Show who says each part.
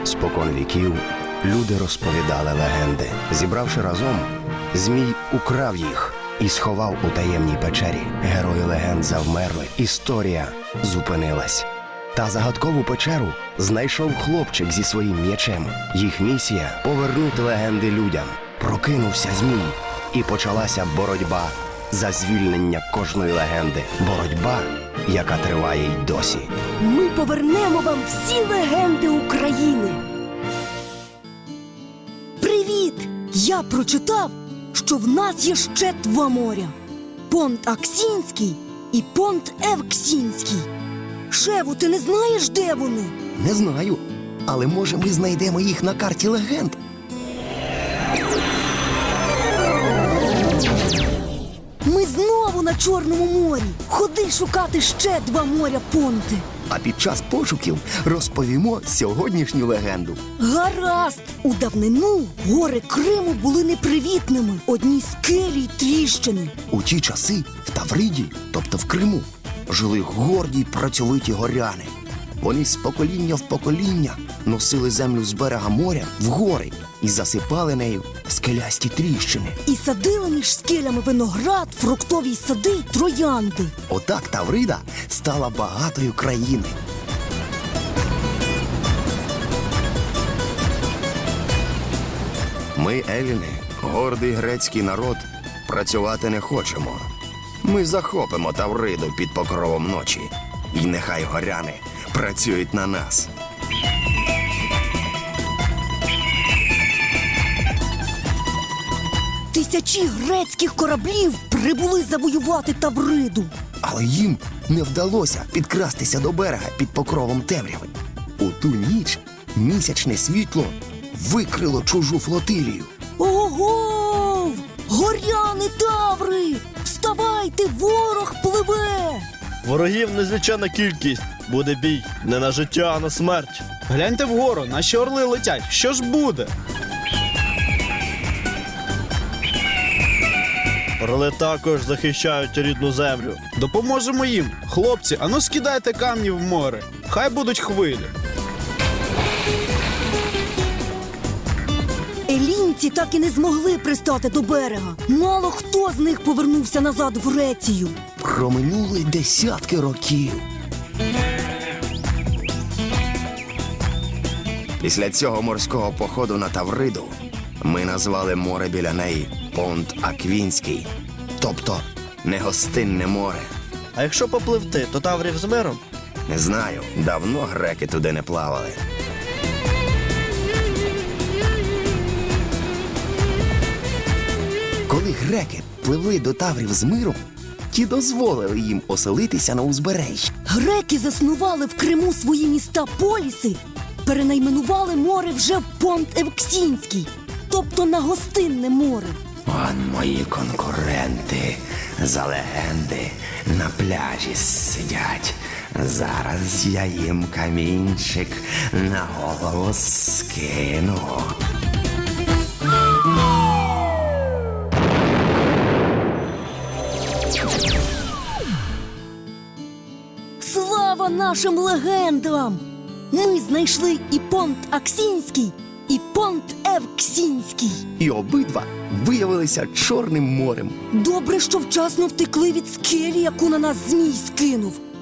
Speaker 1: Спокон віків люди розповідали легенди. Зібравши разом, Змій украв їх і сховав у таємній печері. Герої легенд завмерли, історія зупинилась. Та загадкову печеру знайшов хлопчик зі своїм м'ячем. Їх місія – повернути легенди людям. Прокинувся Змій, і почалася боротьба за звільнення кожної легенди. Боротьба, яка триває й досі.
Speaker 2: Ми повернемо вам всі легенди України. Привіт! Я прочитав, що в нас є ще 2 моря. Понт Аксінський і Понт Евксінський. Шеву, ти не знаєш, де вони?
Speaker 3: Не знаю, але може ми знайдемо їх на карті легенд.
Speaker 2: Ми знову на Чорному морі. Ходи шукати ще 2 моря Понти.
Speaker 3: А під час пошуків розповімо сьогоднішню легенду.
Speaker 2: Гаразд! У давнину гори Криму були непривітними. Одні скелі й тріщини.
Speaker 3: У ті часи в Тавриді, тобто в Криму, жили горді й працьовиті горяни. Вони з покоління в покоління носили землю з берега моря в гори і засипали нею скелясті тріщини.
Speaker 2: І садили між скелями виноград, фруктові сади й троянди.
Speaker 3: Отак Таврида стала багатою країною.
Speaker 1: Ми, еліни, гордий грецький народ, працювати не хочемо. Ми захопимо Тавриду під покровом ночі. І нехай горяни працюють на нас.
Speaker 2: Тисячі грецьких кораблів прибули завоювати Тавриду.
Speaker 3: Але їм не вдалося підкрастися до берега під покровом темряви. У ту ніч місячне світло викрило чужу флотилію.
Speaker 2: Ого! Горяни Таври! Вставайте, ворог пливе!
Speaker 4: Ворогів незлічена кількість. Буде бій не на життя, а на смерть.
Speaker 5: Гляньте вгору, наші орли летять. Що ж буде?
Speaker 4: Орли також захищають рідну землю.
Speaker 5: Допоможемо їм. Хлопці, ану скидайте камні в море. Хай будуть хвилі.
Speaker 2: Елінці так і не змогли пристати до берега. Мало хто з них повернувся назад в Грецію.
Speaker 3: Проминули десятки років.
Speaker 1: Після цього морського походу на Тавриду ми назвали море біля неї Понт Аквінський, тобто негостинне море.
Speaker 4: А якщо попливти, то Таврів з миром?
Speaker 1: Не знаю, давно греки туди не плавали.
Speaker 3: Коли греки пливли до Таврів з миром, ті дозволили їм оселитися на узбережжі.
Speaker 2: Греки заснували в Криму свої міста-поліси, перенайменували море вже в Понт Евксінський, тобто на гостинне море.
Speaker 1: Он мої конкуренти за легенди на пляжі сидять. Зараз я їм камінчик на голову скину.
Speaker 2: Слава нашим легендам! Ми знайшли і Понт Аксінський, і Понт Евксінський.
Speaker 3: І обидва виявилися Чорним морем.
Speaker 2: Добре, що вчасно втекли від скелі, яку на нас Змій скинув.